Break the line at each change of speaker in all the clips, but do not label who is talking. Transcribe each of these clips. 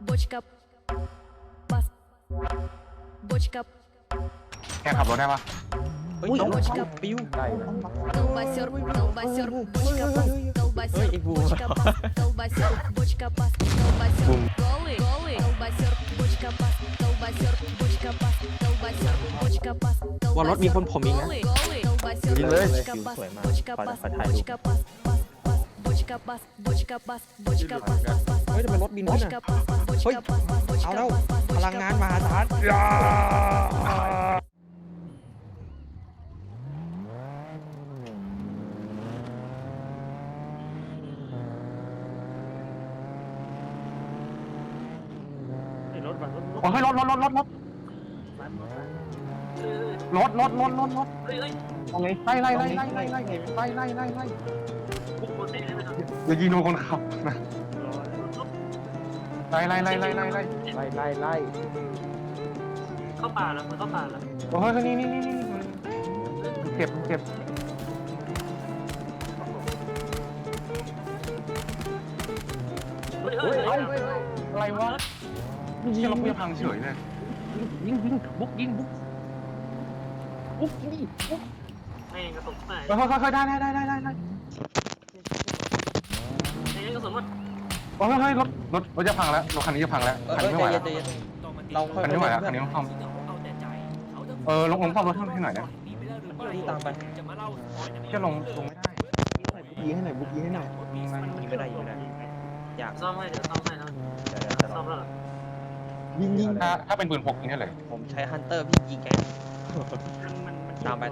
Бочка, пас, бочка,
แกขับรถได้ปะ
เฮ้ย
бочка,
ปิ้ว
колбасер, колбасер, бочка, пас, колбасер, бочка, пас, колбасер, бочка, пас, колбасер, голый, голый, колбасер, бочка, пас, колбасер, бочка, пас, колбасер, бочка, пас,
ว่ารถมีคนผมอีกนะ
голый, голый, колбасер, бочка, пас, бочка, пас, бочка, пас, пас, пас, бочка, пас, бочка, пас, бочка, пас, пас, пас,
เฮ้ยทำไมรถบินขึ้น
бочка,
อ่ะ
пас, пас,
เฮ้ย
бочка, пас, пас,
เอา
бочка,
แล้ว
пас, пас,
พลัง
бочка,
งาน
пас,
มหาศาล
รถบัสรถ
โอ้ยรถรถรถรถรถรถเอาไงไล่
ปุ๊บโคตรเท่เลยนะ
อย่ายิงโดนคนขับนะไล่
เข้าป่าแล้วมันเข้าป่าแล้ว
โอ้ยนี่เก็บ
เฮ้ย
อะไรวะยิงเราเพื่อพังเฉยเลย
ยิงบุกนี่บุก
แม่งกระสุนไหน
ค่อยได้
แม่งกระสุนหมด
โอ้ยรถจะพังแล้วรถคันนี้จะพังแล้วคันนี้ไม่ไหวแล้ว
ใจเย็นเราค่อย
คันนี้ไม่ไหวแล้วคันนี้ต้องซ่อมลงซ่อมรถให้หน่อยนะ
พี่ตามไป
เชื่อลงไม่ได้
ยิงให้หน่อยบุกยิงให้หน่อยยิงไม่ได้อยาก
ซ่อมให้เดี๋ยวซ่อมให้นะซ่อมแล้วเหรอ
ยิง
ถ้าเป็นปืนพกยิงได้เลย
ผมใช้ฮันเตอร์พี่ยิงแกตามไป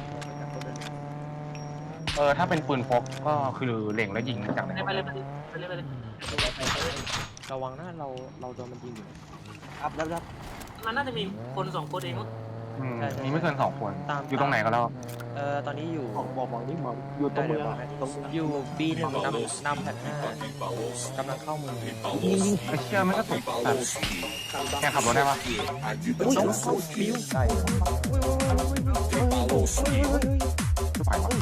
ถ้าเป็นปืนพกก็คือเล็งแล้วยิงจากไหน
ไปเลย
ระวังนะเราโดนมันยิงอยู่
มันน่าจะมีคน2คนเองมั้ง
มีไม่เกิน2 คนอยู่ตรงไหนก็แล้ว
ตอนนี้อยู่
บอกนี่บอกอยู่ตรงเมืองตรง
อยู่ B1 นำแผ่น5กำลังเข้าเมือง
ไอ้เชื่อไม่ก็ตกแกขับรถได้ปะ
ปิ้ว
ใช่
ทุกฝ่ายวะ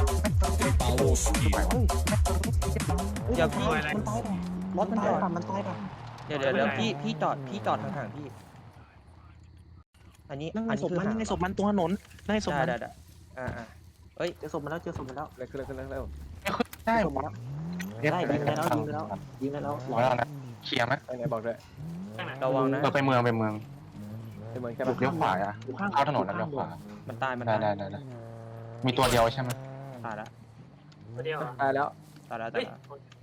เดี๋ยวพี่
รถมันตายป่ะมันตายป่ะ
เดี๋ยวพี่จอดห่างๆพี่อันนี้
นั่งในศพมันนั่งในศพมันตรงถนนนั่งในศพมัน
ได้เอ้ย
เจอศพมันแล้วเจอศพมันแล้ว
เร็ว
ได้
ศพมันแล้วได้ยิงได้แล้ว
ร้อยแล้วนะเคลียร์ไหม
ไหนบอกด้วย
ระวังนะ
ไปเมือง
ไปเมืองแค่
เลี้ยวขวาอ่ะเข้าถนนแล้วเลี้ยวขวา
มันตาย
ได้มีตัวเดียวใช่ไหม
ตายละ
เดียว
ตายแล้ว
เฮ้ย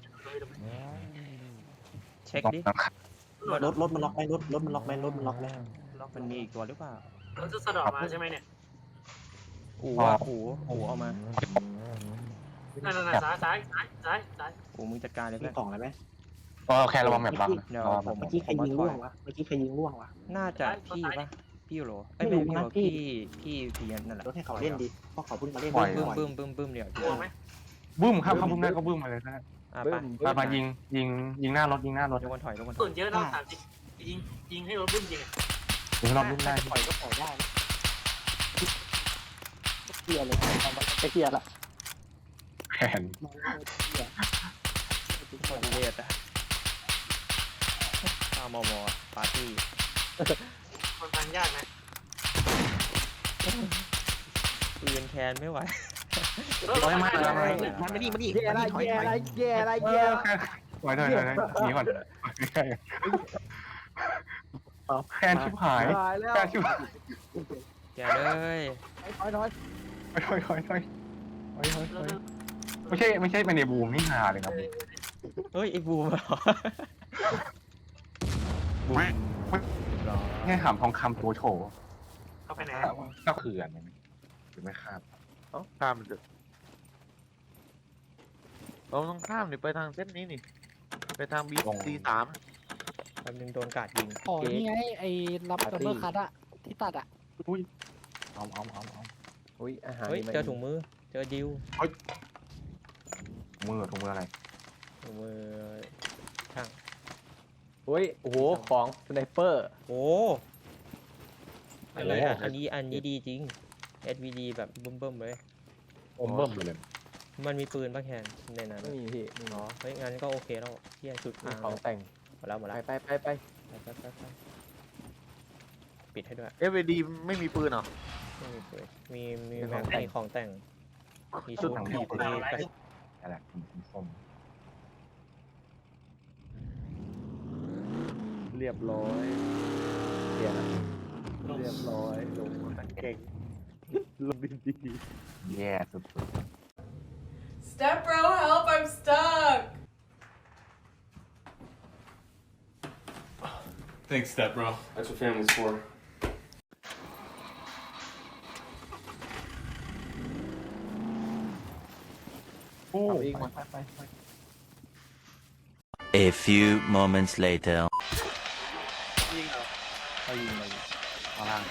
เช็คดิ
รถมันล็อกไหมรถมันล็อกไหม
มันมีอีกตัวหรือเปล่า
เราจะสะดอกมาใช่ไหมเนี่ย
หูเอามา
นั่นซ้าย
หูมึงจัดการเลย
มี
เพื่อน
กล่องอะไรไหม
แค่ระวังแบบบัง
เดี๋ยวผม
เมื่อกี้ใครยิงล่วงวะ
น่าจะพี่ปะพี่โหรไม่พี่โหรพี่นั่นแหละ
รถให้เขาเล่นดีเพราะเขาเพิ่งมาเล่น
บึ้มเดี๋ยว
กลัวไหม
บึ้มครับบึ้มได้ก็บึ้มมาเลยนะ
ไป
มายิงหน้ารถ
ทุกคนถอย
ส่วนเยอะเราถามยิงให้รถบึ้มยิง
ยิงรถบึ้มได้
ปล่อยก็ปล่อยได้เกียร์เลยไปเกียร์ละ
แผน
ทุกคนเรียดอะตามมปาร์ตี้
มันฟังยากนะ
ปืนแคนไม่ไหว
มันไม่ดีแย่อะไร
ไว้ถอยหนีก่อนแผนชิบหายแผนชิบหาย
แกเลย
ถอยไม่ใช่เป็นในบูมนี่ฮาเลยครับ
เฮ้ยไอ้บูมเหรอ
บูมง่ายขำทองคำตัวโฉ
เข้าไปไหน
ก็คืออะไรหรือไม่คาด
ข้ามมันเถอะเราต้องข้ามนี่ไปทางเส้นนี้นี่ไปทางBC3
แป๊บนึงโดนกาดยิง
อ๋อนี่ไงไอ้รับดับเบิลคัทอะที่ตัดอะ
เอา
อุ้ยอาหาร
เฮ้ยเจอถุงมือเจอดิว
ถุงมืออะไร
ถุงมือ
อุ้ยโอ้โหของสไนเปอร์
โอ้อันนี้ดีจริง SVD แบบบึ้มเลย
เบิ่มเลย
มันมีปืนป่ะแคนในนั้น
ไม่มีพี่
เฮ้ยงั้นก็โอเคแล้วเที่ยชุด
ของแต่ง
หมดแล้ว
ไป
ไปปิดให้ด้วย
FAD ไม่มีปืนเหรอ
ไม่มีปืนมีแม็กมีของแต่งมีชุด
ถัง
มี
บีบ
กระ
อะไรส้ม
เรียบร้อยเปลี่ยนอะเรียบร้อยลงมาเก่งลงดี
แย่สุด
Step bro, help! I'm stuck.
Thanks, Step Bro. That's what family's for.
โอ้
เอาอีกมา
ไป
A few moments later.
เขายิงเลยข้างล่าง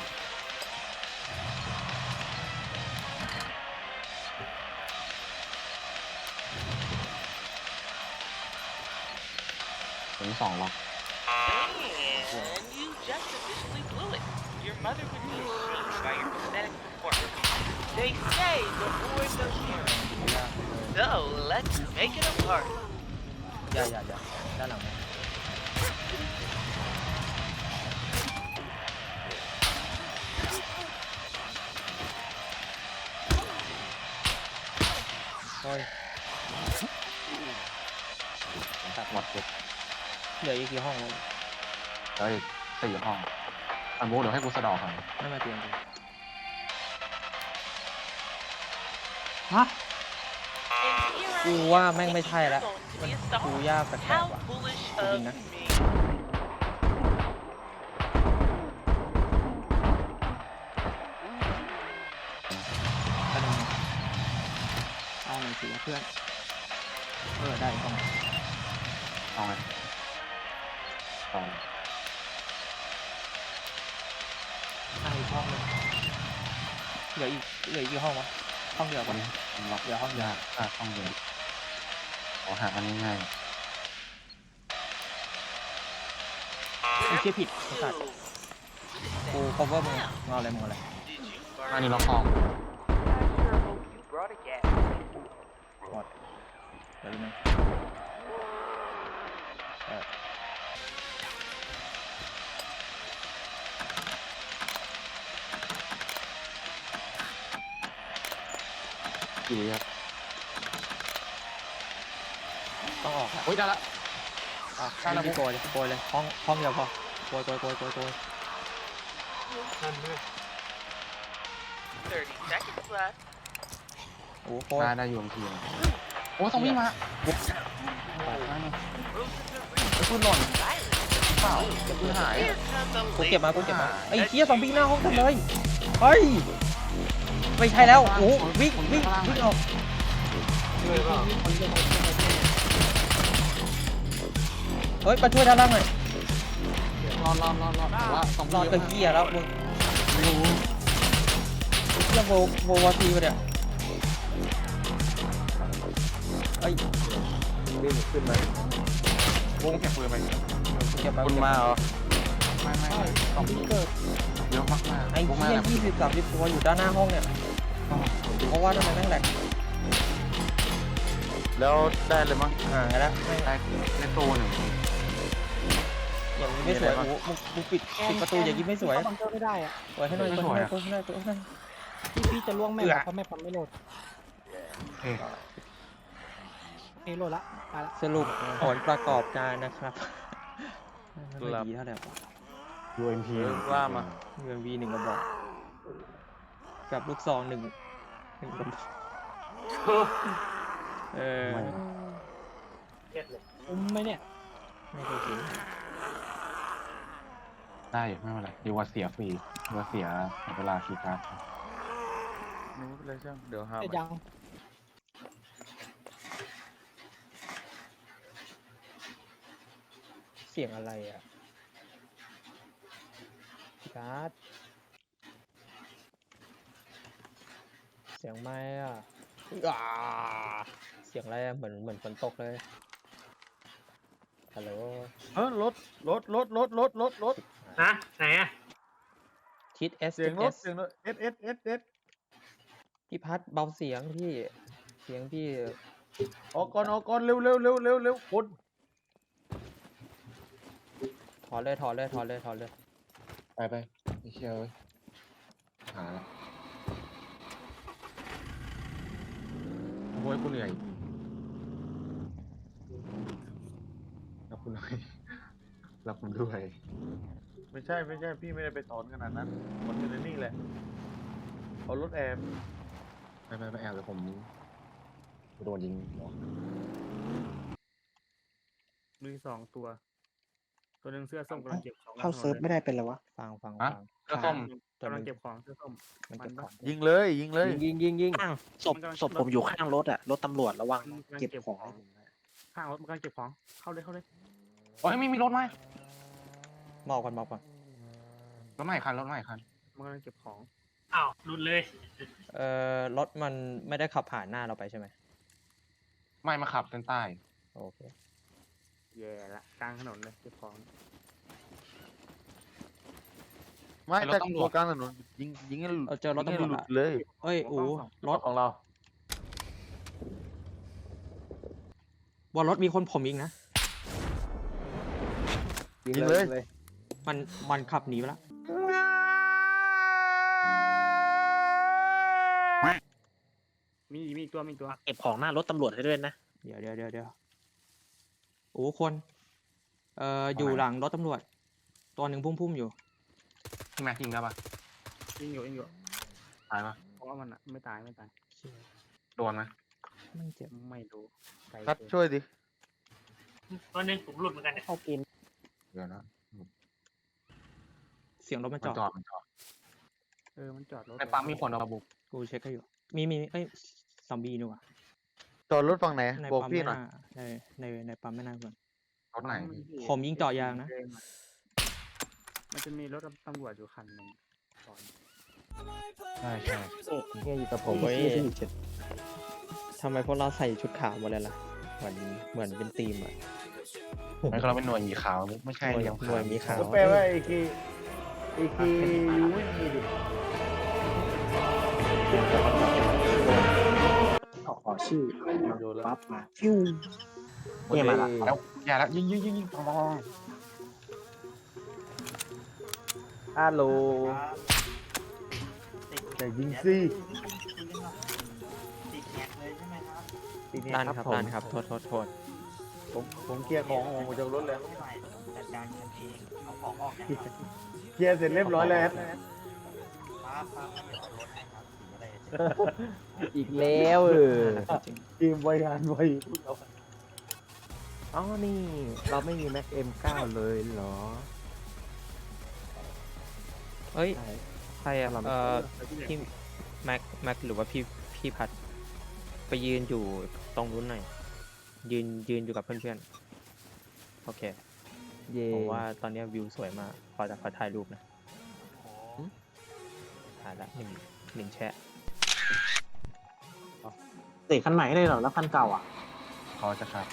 ถึง2 ล็อก
And you just officially blew it. Your mother would be ashamed by your pathetic performance. They say the boy knows hearing. So let's make it a party.
อย่าด้านหลังนะโอ้ย
ตัดหมดเก็บ
เหลืออีกกี่ห้องแล้ว
เฮ้ย4 ห้องอันโบเดี๋ยวให้กูสะดอกก่อน
ไม่มาเตียงดิ
And here I
กู
am
ว่าแม่งไม่
thinking
ใช่แล้ว
you're going to be a
กู
star.
ยากแปลก
How
ๆว่ะ
foolish
Tôi
of
nhìn nè.
me.
เอาหน่อยสิเพื่อนได้ต้อง
เอาไงเอา
อีกห้องนึงเหลืออีกกี่ห้องวะห้องเดียว
วั
ปะ
นนี้ล็อกห้องยาห้องเดียวขอหาอันนี้ง่าย
ไม่เชื่อผิดไอ้สัตว์กู cover มึงเอาอะไรมึงเอาอะไร
Did you
อัน
burn?
นี้ล็อกห้อง
I sure hope you brought a gas.
เดี๋ยวนึง
กี่ครับ
ต้องออกอะ
โอ้ยได้ละ
ได้แล้วโกยเลยห้องเดียวพอโกย
30 seconds left.
โอ้โกย
ได้อยู่บางทีโอ้ต้องวิ่งมา
Roses are
พูดหล่น
silent.
เปล่าจะพูดหาย
Here comes a
กูเก็บ
late
มาไอ้เหี้ยซอมบี้หน้าห้องเต็มเลยเฮ้ยไม่ใช่แล้วโอ้วิ่งออกเฮ้ยมาช่วยด้านล่างหน่อย
รอว่าต้อง
รอดตะเกียแล้วมึงเรื่องโววาซีไปเนี่ยเอ้ย
วิ่งขึ้นมาว
งเก็บปืนไหม
เก็บมา
คุณมาเหรอ
ไม่ต้องเกิดเยอะมาก
ไอ้เหี้ย20-30 ตัวอยู่ด้านหน้าห้องเนี่ยเพราะว่าทำไมแม่งแหลก
แล้วได้เลยมั้ง
ห่างกันแล้วไม่
ได้ตัวหนึ่ง
อย่างนี้ไม่สวยโอ้มึงปิดประตูอย่างนี้ไม่สวย
บังเกอร์ไม่ได้อ่ะ
สวยให้หน่อยตัวให้หน่อย
พี่จะล่วงแม่เพราะแม่มันไม่โหลด
เฮ้ย
โหลดละไปละ
สรุปผลประกอบการนะครับไม่ดีเท่าไหร่วะ
UMP
ว่ามา
UMV 1 กระบอกกับลูกซอง1 กระบอก
เก็ดเลย
ไหมเนี่ย
ไม่เคยกิน
ได้ไม่เป็นไรดีว่าเสียฟรีดีว่าเสียเวลาคีย์การ์ด
ไม่เป็นไรช่างเดี๋ยวหา
แต่
ใหม่
ยัง
เสียงอะไรอ่ะการ์ดเสียงไม้อ่ะเสียงอะไรอะเหมือนฝนตกเลยฮัลโหล
รถ
นะไหนอะ
ชิด S
เสียงรถ
S
เอส
พี่พัดเบาเสียงพี่
ออกก่อนเร็วคน
ถอนเลยถอนเลยถอนเลยถอนเลย
ไปไปไอ้เชี่ยเว้ยหาละโอ้ยกูเหนื่อยรับคุณหน่อยรับคุณด้วย
ไม่ใช่พี่ไม่ได้ไปถอนขนาดนั้นมันอยู่ในนี่แหละเอารถแอม
ไปไปไปแอบเลยผมโดนยิงหัว
มี2 ตัว ตัวหนึ่งเสื้อส้มกำลังเก็บของ
เข้าเซิร์ฟไม่ได้เป็นไรวะ
ฟังฟัง
อะ
ฟัง
ก็ส้ม
ตัว
กำ
มั
ลั
น
งเก็บของเสื้อส้ม
มันเก็บของ
ยิงเลยยิงเลย
ยิง
ข้างศพผมอยู่ข้างรถอะรถตำรวจระวังเก็บของ
ข้างรถมันกำลังเก็บของเข้าเลย
โอ้ยไม่มีรถไหม
มอบก่อนมอบก่อน
รถใหม่คันรถใหม่คัน
มันกำลังเก็บของอ้าวหลุดเลย
รถมันไม่ได้ขับผ่านหน้าเราไปใช่ไหม
ไม่มาขับเส้นใต้
โอเค
แย่ละกลางถนนเลยเก็บของ
ไม่แต่ตัวกลางถนนยิงให้
เราเจอรถตำรวจ
หลุ
ละ
ดเลย
เอ้ยอูรถ
ของเรา
บนรถมีคนผมอีกนะ
ยิงเลย
มันขับหนีไปแล้ว
มีอีกตัว
เก็บของหน้ารถตำรวจให้ด้วยนะ
เดี๋ยวโอ้คนอยู่หลังรถตำรวจ ตัวหนึ่งพุ่มอยู่
พี่แม็กยิงได้ปะ
ยิงอยู่
ตายปะ
เพราะว่ามันอะไม่ตาย
โดนไหม
ไม่เจ็บ
ไม่รู้ไกล
คัด
เกิน
ช่วยดิ
ตัวหนึงผมหลุดเหมือนกันเนี่ย
เข้ากิน
เดี๋ยวนะ
เสียงรถมัน
มัน
จอด
จอดมันจอด
มันจอดรถ
ในปั๊มมีคนเอามาบุก
กูเช็คให้อยู่ มีเอ้ยซอมบี้นี่หว่า
จอดรถฝั่งไหน
ใน
บอก
ปั๊ม
พี่
ไม่
หน่อย
น่าในปั๊มไม่น่าก่อน
รถไหน
ผมยิงเจาะยางนะ
มันจะมีรถตำรวจอยู่คันหนึ่งก่อน
ใช่
เนี่ยอยู่กับผมเว้ยทำไมพวกเราใส่ชุดขาวหมดเลยล่ะ เหมือนเป็นทีมอ่ะ
ไม่ก็เราเป็นหน่วยหมีขาวไม่ใช่
หน่วย
เดียว
หน่วยหมีขาว
ก็แปลว่าไอ้กีวิ่งมีดิ
ขอชื่อ
โยนแล้ว
ปั๊บมาฟิวเนี่ยมาละ
แล้วอย่าแล้วยิงปอง
ฮัลโหลแต่ยิงสิติดแง
ด้าน
ก
ครับ
ผม
ด้านครับโทษ
ผมเคลียร์ของออกจากรถแล้วเคลียร์เสร็จเรียบร้อยแล้ว
อีกแล้วจริง
ทีมบริหารไว้
อ๋อนี่ เราไม่มีแม็กเอ็ม9เลยเหรอ
เฮ้ยใครอะพี่แม็กหรือว่าพี่พัดไปยืนอยู่ตรงนู้นหน่อยยืนอยู่กับเพื่อนๆโอเค
เย่
ผมว่าตอนนี้วิวสวยมากขอถ่ายรูปนะถ่ายละหนึ่งแชะ
เตะคันใหม่เลยเหรอแล้วคันเก่าอ่ะ
เขาจะขับ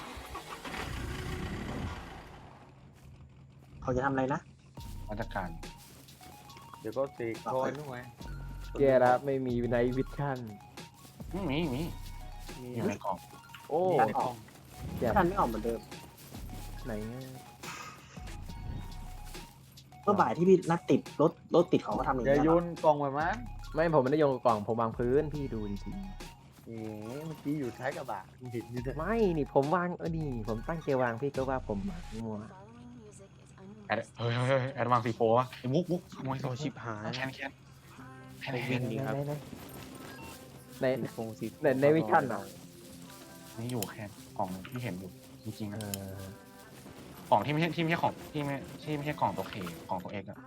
เขาจะทำอะไรนะ
มาตรการ
เดี๋ยวก็ตีคอยนู่นไง
แย่แล้วไม่มีไนท์วิชั่น
มีอยู่ในกล่อง
โอ้
คันออก
แย่
คันไม่ออกเหมือนเดิม
ไหนเนี่ย
เมื่อบ่ายที่พี่นัดติดรถติดเขาก็ทำอย่าง
อย่า
นี้
โย
ย
นกล่องแบบนั้น
ไม่ผมไม่ได้โยนกล่องผมวางพื้นพี่ดูดี
เอ๋เมื่อกี้อยู่ท้ายกระบะเห็นอยู่ด้วย
ๆไม่นี่ผมวางนี่ผมตั้งใจวางพี่ก็ว่าผมมัว
แอดแอดวางซีโฟวะมุกขโมย
โอชิบหาย
แคน
วิ่งดีครับ
ใน
โฟงสิ
ในวิชั่นอ่ะ
นี่อยู่แคนกล่องที่เห็นอยู่จริงๆ
เอ
นะ
อก
ล่องที่ไม่ใช่ของที่ไม่ใช่กล่องตัวเคของตัวเอกอะ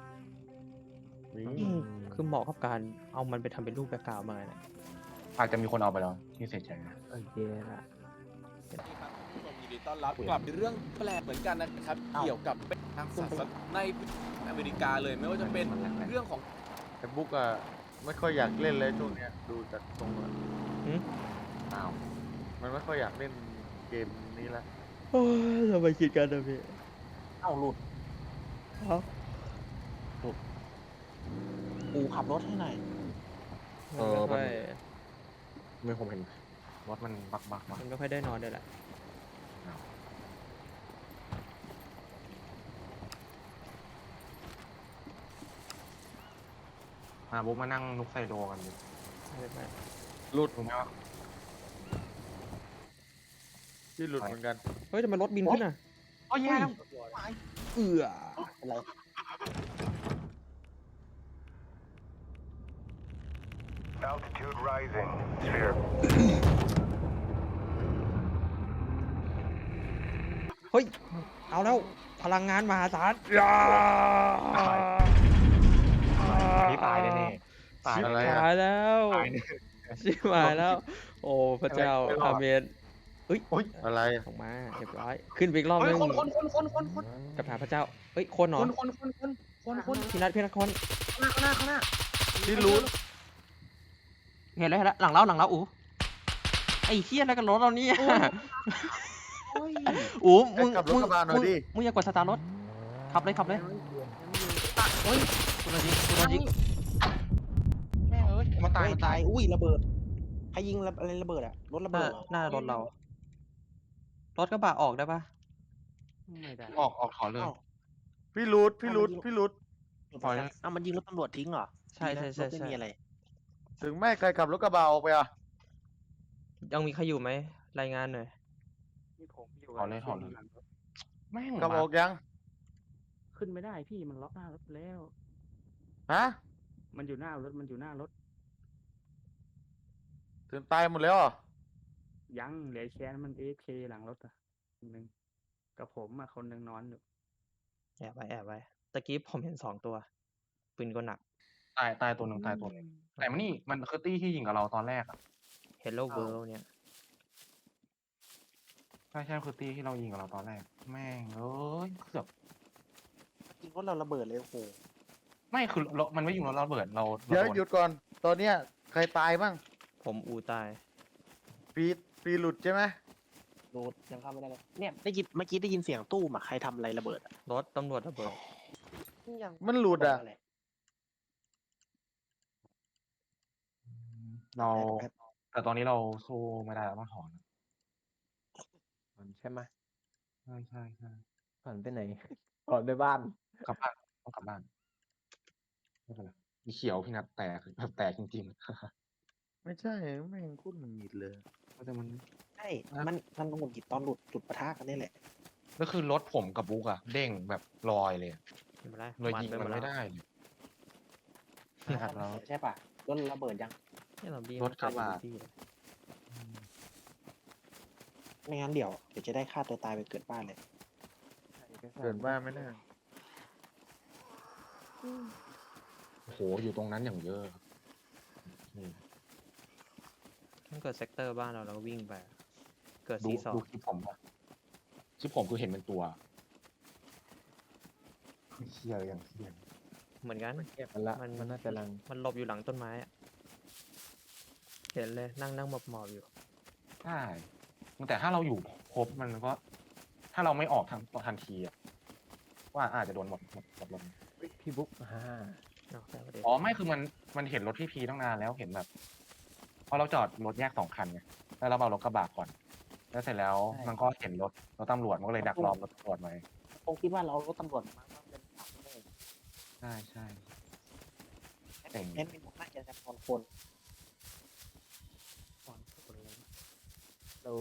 คือเหมาะกับการเอามันไปทำเป็นรูปแบ็คกราวด์มาเนี่ย
อาจจะมีคนเอาไปแล้วที่เสียใจนะ
โอเคละ
ยินดีต้อนรับกลับเรื่องแปลกเหมือนกันนะครับ เกี่ยวกับทางศาสนาในอเมริกาเลยไม่ว่าจะเป็นเรื่องของ
แต่บุ๊กอะไม่ค่อยอยากเล่นเลยช่วงเนี้ยดูจากตรงแล้ว
อ้าว
มันไม่ค่อยอยากเล่นเกมนี้ละ
โอ้ยทำไมคิดกันนะพี่
เอ้าหลุดกูขับรถให้หน่อย
ไม่ค่อย
ไม่ผมเห็นรถมันบักมา
มันไม่ค่อยได้นอนด้วยแหละ
มาบุ๊กมานั่งนุกไซโดกันดิ
หลุด
ถูกไหมวะ
ที่หลุดเหมือนกัน
เฮ้ยทำไมรถบินขึ้นอ่ะ
อ๋อแย่แล้ว
เอือ
อะไร
เฮ้ย เอาแล้ว พลังงานมหาศาลยา
อันนี้ตายแน่ๆตาย
ชิบ
อะไร
หายแล้ว
ตายแน่
ชิบหายแล้ว โอ้พระเจ้า
ไม่รอด
อาเมนเฮ้ย
โอ๊ย
อะไร
ออกมาเรียบร้อย ขึ้นไปอีกรอบ
เฮ้
นึ
ย
ง
คน
กับหาพระเจ้า เฮ้ย คนเหรอ
คน
พี่นัทคน
ข้างหน้า
ที่หลุด
เห็นแล้วหลังเราอูไอ้เหี้ยอะไรกันรถเราเนี่ยอูมึง
ขับรถกระบะหน่อยดิ
มึงอย่ากดสตาร์ทรถ ขับเลยโอ้ยกูโดนยิง
แม่งเอ้ยมันตาย
ตายอุ้ยระเบิดใครยิงอะไรระเบิดอะรถระเบิด
หน้ารถเรา รถกระบะออกได้ปะ
ไม่ได้
ออกถอนเลย
พี่หลุดพี่หลุดพี่หลุด
ปล่อยเลย
มันยิงรถตำรวจทิ้งเหรอ
ใช่
รถไม่มีอะไร
ถึงแม่ใครขับรถกระบะออกไปอ่ะ
ยังมีใครอยู่ไหม รายงานหน่อย
ถอนเลยแม่ง
ขับออกยัง
ขึ้นไม่ได้พี่มันล็อกหน้ารถแล้ว
ฮะ
มันอยู่หน้ารถ
ถึงตายหมดแล้วเหรอ
ยังเหลือแค่นั้นมัน AFK หลังรถอ่ะคนหนึ่งกับผมอ่ะคนหนึ่งนอนอยู่
แอบไว้ ตะกี้ผมเห็น2 ตัว ปืนก็หนัก
ตายตัวหนึ่งแต่มันนี่มันคือตี้ที่ยิงกับเราตอนแรกอะ
Hello World เนี่ย
ใช่คือตี้ที่เรายิงกับเราตอนแรก แม่งเอ้ยเกือบ
ยิงรถเราระเบิดเลยโอ้โห
ไม่คือมันไม่ยิงเราระเบิดเรา
เดี๋ยว
โน
หยุดก่อน ตอนเนี้ยใครตายบ้าง
ผมอูตาย
ปีหลุดใช่ไหม
โดดยังเข้าไม่ได้เลยเนี่ยได้ยินเมื่อกี้ได้ยินเสียงตู้อะใครทำอะไรระเบิดอะ
รถตำรวจระเบิด
ยัง
มันหลุดอ่ะ
เราแต่ตอนนี้เราสู้ไม่ได้แล้วต้องถอน
ใช่ไหม
ใช่
ผ่านไปไหนก่อนไปบ้าน
กลับบ้านต้องกลับบ้านไม่เป็นไรมีเขียวพี่นัดแตกแบบแตกจริง
ไม่ใช่แม่งโคตรหงุดหงิดเลย
ๆแต่มัน
ใช่มันหงุดหงิดตอนหลุดจุดปะทะกันนี่แหละ
ก็คือรถผมกับบุ๊กอะเด้งแบบลอยเลยอะ
ไม่เป็นไร
เลยยิง
ป
มัน
หด
ไม่
แล้ว
ได้เลย
นะครับใช่ปะรถระเบิดยัง
เนี่ยเราบี้
รถกระบะ
ที่เลย
ไม่งั้นเดี๋ยวจะได้ฆ่าตัวตายไปเกิดบ้านเลย
เกิดบ้านไม่ได้
โอ้โหอยู่ตรงนั้นอย่างเยอะนี่
ถ้าเกิดเซกเตอร์บ้านเราก็วิ่งไป เกิด
ดู
C2
คลิปผมปะคลิปผมคือเห็นเป็นตัวเชี่ยอย่างเชี่ย
เหมือนกัน
มันละ
มัน
มันน่าจะลัง
มันหลบอยู่หลังต้นไม้อะเห็นเลยนั่งหมอบอยู่
ใช่แต่ถ้าเราอยู่ครบมันก็ ถ้าเราไม่ออกทันทีอะว่าอาจจะโดนหมดลม
พี่บุ๊ก
เอาแต่ประเด็น
อ๋อไม่คือมันเห็นรถพี่พีตั้งนานแล้วเห็นแบบพอเราจอดรถแยก2 คันไงแล้วเราเอารถกระบะก่อน แล้วเสร็จแล้วมันก็เห็นรถตำรวจมันก็เลยดักรอรถตำรวจไว้
คงคิดว่าเรารถตำรวจมาเป็นขับเลย
ใช่
แอนเป็นน่าจะจำนวนคน
เรา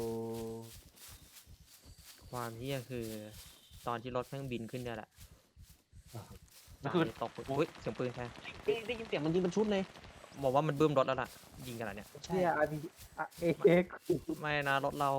ความเฮี้ยคือ ตอนที่รถแม่งบินขึ้นเนี่ยแหละ
ก็คือ
ตกอุ้ยเสียงปืนใช่
ได้ยินเสียงมันยิงเป็นชุดเลย
บอกว่ามันบึ้มรถแล้วล่ะ ยิงกันแล้วเนี่ย
ใช่
เนี่ยเอ็ก
ไม่นะรถเรา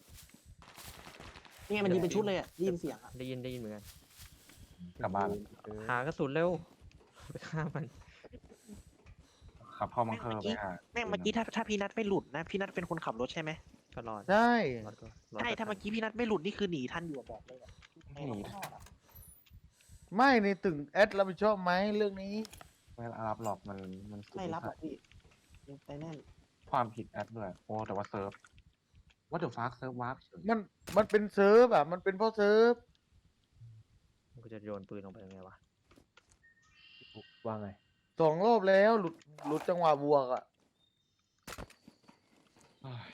นี่ไงมันยิงเป็นชุดเลยอะได้ยินเสียงอะ
ได้ยินเหมือนกัน
กลับบ้าน
หากระสุนเร็ว ไปฆ่ามัน
ขับเข้าบังเกอร์ไปหา
แม่งเมื่อกี้ถ้าพี่นัทไม่หลุดนะพี่นัทเป็นคนขับรถใช่ไหม
ก็รอด
ใช่
รอดก็
ใช่ถ้าเมื่อกี้พี่นัทไม่หลุดนี่คือหนีทันอยู่บอกเลยอะ
ไม่หนี
ไม่ในตึงแอดรับผิดชอบไหมเรื่องนี้
ไม่รับหรอกมัน
ไม่รับหรอกพี่ยังไปแน่น
ความผิดแอดด้วยโอ้แต่ว่าเซิร์ฟว่าเดี๋ยวฟาร์เซิร์ฟวาร์ปเฉย
มันเป็นเซิร์ฟอ่ะมันเป็นเพราะเซิร์ฟ
กูจะโยนปืนลงไปยังไงวะ
ว่าไง
2 รอบแล้วหลุดจังหวะบวกอ่ะ
เฮ้ย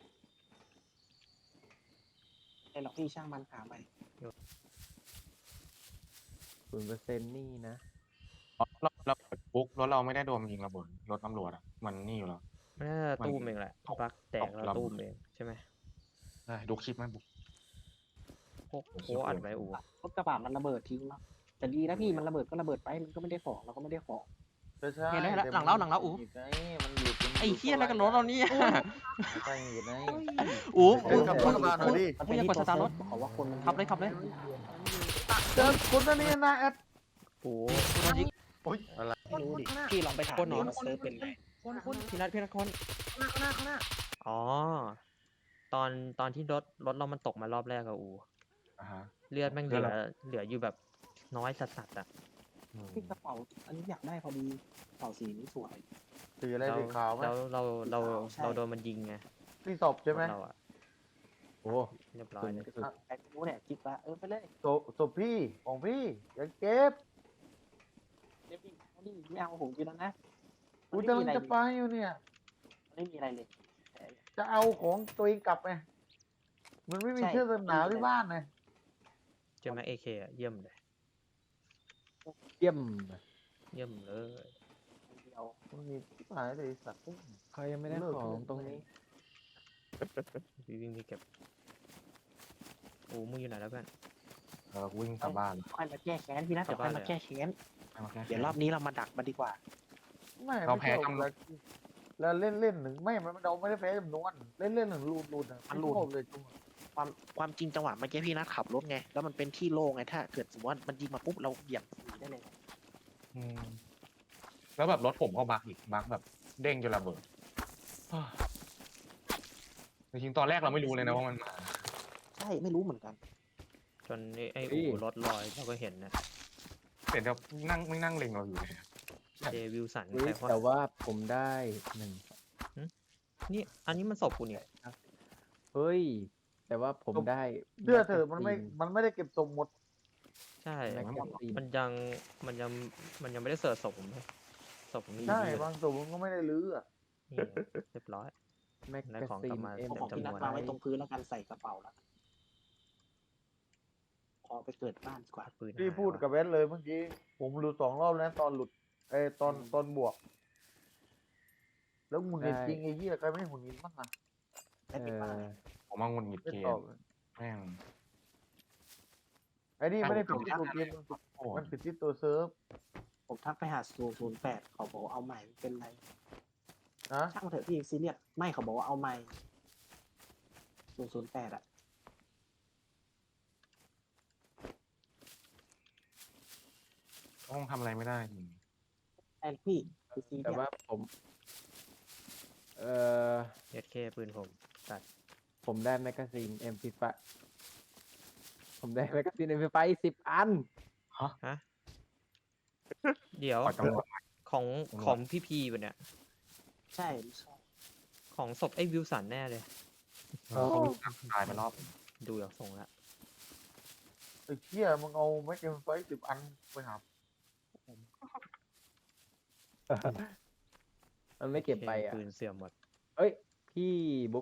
ไอ้หรอกพี่ช่างมันหาไป
0%นี่นะ
เราเปิดปุ๊กรถเราไม่ได้โดนมันยิงระเบิดรถตำรวจอ่ะมันนี่อยู่แล้ว
มันน่าจะตู้มเองแหละ
ตก
บักแตกแล้ว
ตกลำ
ตู้มเองใช่ไหม
ได้ดูคลิปไหมบุ๊ก
โอ้อัดไว้อู
รถกระบะมันระเบิดทิ้งแล้วแต่ดีนะพี่มันระเบิดก็ระเบิดไปมันก็ไม่ได้ของเราก็ไม่ได้ของ
ใช่
เห็นได้แล้วหลังเราอู๋
มันหลุด
ไอ้เหี้ยอะไรกันรถเราเนี่ย
ใช่หยุดไง
อู๋
ขับรถกระบะหน่อยดิ
มันอย่ากดสตาร์ทรถขอว่าคนขับเลย
เจอคนนั่นนี่นะแอด
โอ้
โอ้ยอะไร
ไม่รู้ดิพี่ลองไปถามดิว่าเซิร์ฟเป็นไง
พี่นัทคนอ๋อตอนที่รถเรามันตกมารอบแรกอะอู
อ่าฮะ
เลือดแม่งเหลืออยู่แบบน้อยสัสๆอะ
พี่กระเป๋าอันนี้อยากได้พอดีกระเป๋าสีนี้สวย
สีอะไรสีขาวไหม
แล้วเรา
ใช่
โดนมันยิงไง
สีศพใช่ไหม
เราอะ
โอ้
เรียบร้อยเลย
ใครไม่รู้เนี่ยคิดว่าไปเลย
ศพพี่ของพี่อย่าเก็บ
เดี๋ยวพี่นี่ไม่เอาผมกินแล้วนะ
กูกำลังจะไปอยู่เนี่ย
ไม่มีอะไรเลย
จะเอาของตัวเองกลับไงมันไม่มีเสื้อกันหนาวที่บ้านไง
เจอแม็กเอเคอะเยี่ยมเลย
เยี่ยม
เยี่ยมเลย
เดียว
มันมีที่หายเลยสัตว์
ใครยังไม่ได้ของตรงนี้
วิ่งไปเก็บโอ้มึงอยู่ไหนแล้วเพื่อน
วิ่งกลับบ้าน
ค่อยมาแก้แค้นพี่นะเดี๋ยวค่อยมาแก้แค้น
ไม่มาแค่
เดี๋ยวรอบนี้เรามาดักมันดีกว่า
ไม่
เรา
ไม่
แพ้
ใช่
จำนวน
แล้วเล่นหนึ่งไม่มันเราไม่ได้แพ้จำนวนเล่นหนึ่งรูดอ่ะมันรูดเลยจุ๊บ
ความจริงจังหวะเมื่อกี้พี่นัทขับรถไงแล้วมันเป็นที่โล่งไงถ้าเกิดสมมติว่ามันยิงมาปุ๊บเราเหยียบหนีได้เลย
อืมแล้วแบบรถผมก็บักอีกบักแบบเด้งจนระเบิดจริงๆตอนแรกเราไม่รู้เลยนะว่ามันมา
ใช่ไม่รู้เหมือนกัน
จนไอ้อูรถลอยเราก็เห็นนะ
เห็นจะไม่นั่งเล็งเราอยู่เลย
เจวิลสัน
แต่ว่าผมได้หนึ่ง
นี่อันนี้มันศพกูเนี่ย
เฮ้ยแต่ว่าผมได้
เชื่อเถอะมันไม่ได้เก็บศพหมด
ใช่
แม็กกาซีน
มันยังไม่ได้เสิร์ชศพผมเลยศพผมไม่
ใช่
อยู่
บางศพมันก็ไม่ได้ลื้ออ่ะ
นี่เรียบร้อย
แม็ก
ได้
กา
ของ
ซี
กลับ
น
มา
เอ็ม
เต็ม
ของที่
จำน
นั
ว
ด
น
วางไว้ตรงพื้นแล้วกันใส่กระเป๋าแล้วพอไปเกิดบ้านดีกว่า
ปืน
พี่
หาย
พูด
ว่ะ
กับเวสเลยเมื่อกี้ผมหลุด2 รอบแล้วตอนหลุดตอนบวก แล้วหงุดหงิดจริงไอ้เหี้ยใครไม่หงุดหงิดบ้างอ่ะ
ได้ปิดบ้าน
ผมมางุนหงิด
ไม่
เก
ตอ
ม
บ
แม่ง
ไอ้นี่ไม่ได้ผิดที่ตัวเกม
โอ้
มันผิดที่ตัวเซิร์ฟ
ผมทักไปหา008เขาบอกว่าเอาใหม่เป็นไร
นะ
ช่างเถอะพี่ซีเรียสไม่เขาบอกว่าเอาใหม่008อ่ะ
ต้องทำอะไรไม่ได้จริง
ไอ้พี่คือซีเรียส
เอสเคปืนผมตัด
ผมได้แมกกาซีน MP5 ผมได้แมกกาซีน MP5 10 อัน
เดี๋ยว
ขอจังหวะ
ของพี่พีแบบเนี้ย
ใช่
ของศพไอ้วิลสันแน่เลย
ตายไปรอบ
ดูจากทรงละ
ไอ้เหี้ยมึงเอาแม็กเกมไฟ10 อันไปหา
มันไม่เก็บไปอ่ะ
ปืนเสื่อมหมด
เอ้ย พี่บุ๊ก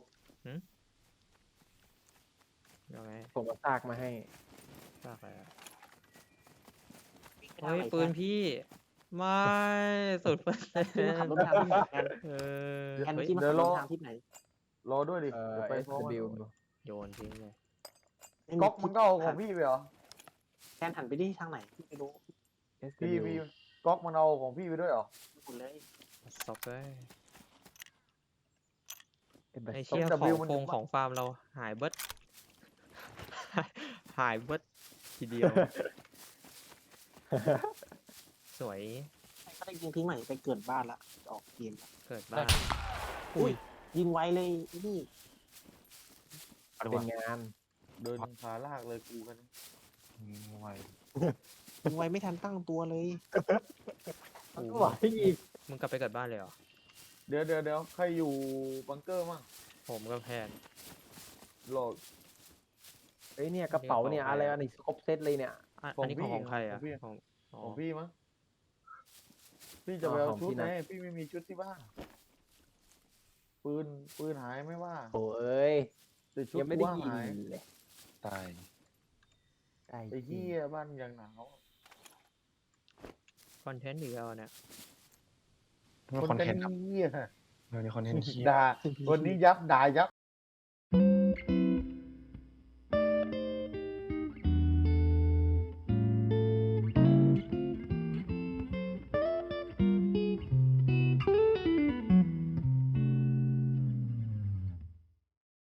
ยังไง
ผมเอาซากมาให้
ซากอะไรอะเฮ้ยปืนพี่ไม่สุดเปอร์เซ็นต์
พี่มาขับรถทางที่ไหนกัน
เออ
แอน
เฮ้ย
พี่มาขับรถทางที่ไหน
รอด้วยดิเดี๋ยวไปพร้อมกัน
SW
โยนทิ้งเลย
ก๊อกมึงก็เอาของพี่ไปเหรอ
แอนหันไปที่ทางไหนพี่ไม่รู้
พี่ก๊อกมันเอาของพี่ไปด้วยเหรอ
หมดเลย
ซอกเลย
ไอ้
ไอเชี่ย
ต้อง
ของ
W มัน
โค
จะ
งของฟาร์มเราหายเบิด หายเบิดทีเดียว สวย
ก็ได้ยิงทิ้งใหม่ไปเกิดบ้านละจะออกเกมละ
เกิดบ้าน
อุ้ยยิงไวเลยนี่
เป็นไง
งาน
เดินขาลากเลยกูกัน
ไว
ยิงไวไม่ทันตั้งตัวเลย
มันก็ไหวอีก
มึงกลับไปเกิดบ้านเลยเหรอ
เดี๋ยวใครอยู่บังเกอร์มั่ง
ผมกับแพน
โหลด
เอ้ยเนี่ยกระเป๋าเนี่ยอะไรอันนี้ครบเซตเลยเนี่ย
อันนี้ของใครอ่ะ
ของพี่
ของอ๋อ
ของพี่มั้งพี่จะไปเอา
ของ
ชุด
พี่
ไง
นะ
พี่ไม่มีชุดที่บ้านปืนหายไม่ว่า
โอ้เอ้ย
แต่ชุด
ยังไม่ได้
ว่า
ยิง
หาย
เลย
ตาย
ไอ้
ไอ้เหี้ยบ้านยังหนาว
ก็คอนเทนต์อีกแล้วเนี่ย
มันคอนเทนต์ครับ
เหี้ย
เดี๋ยวนี้คอนเทนต์เหี้ย
ด่าคนนี้ยับด่ายับ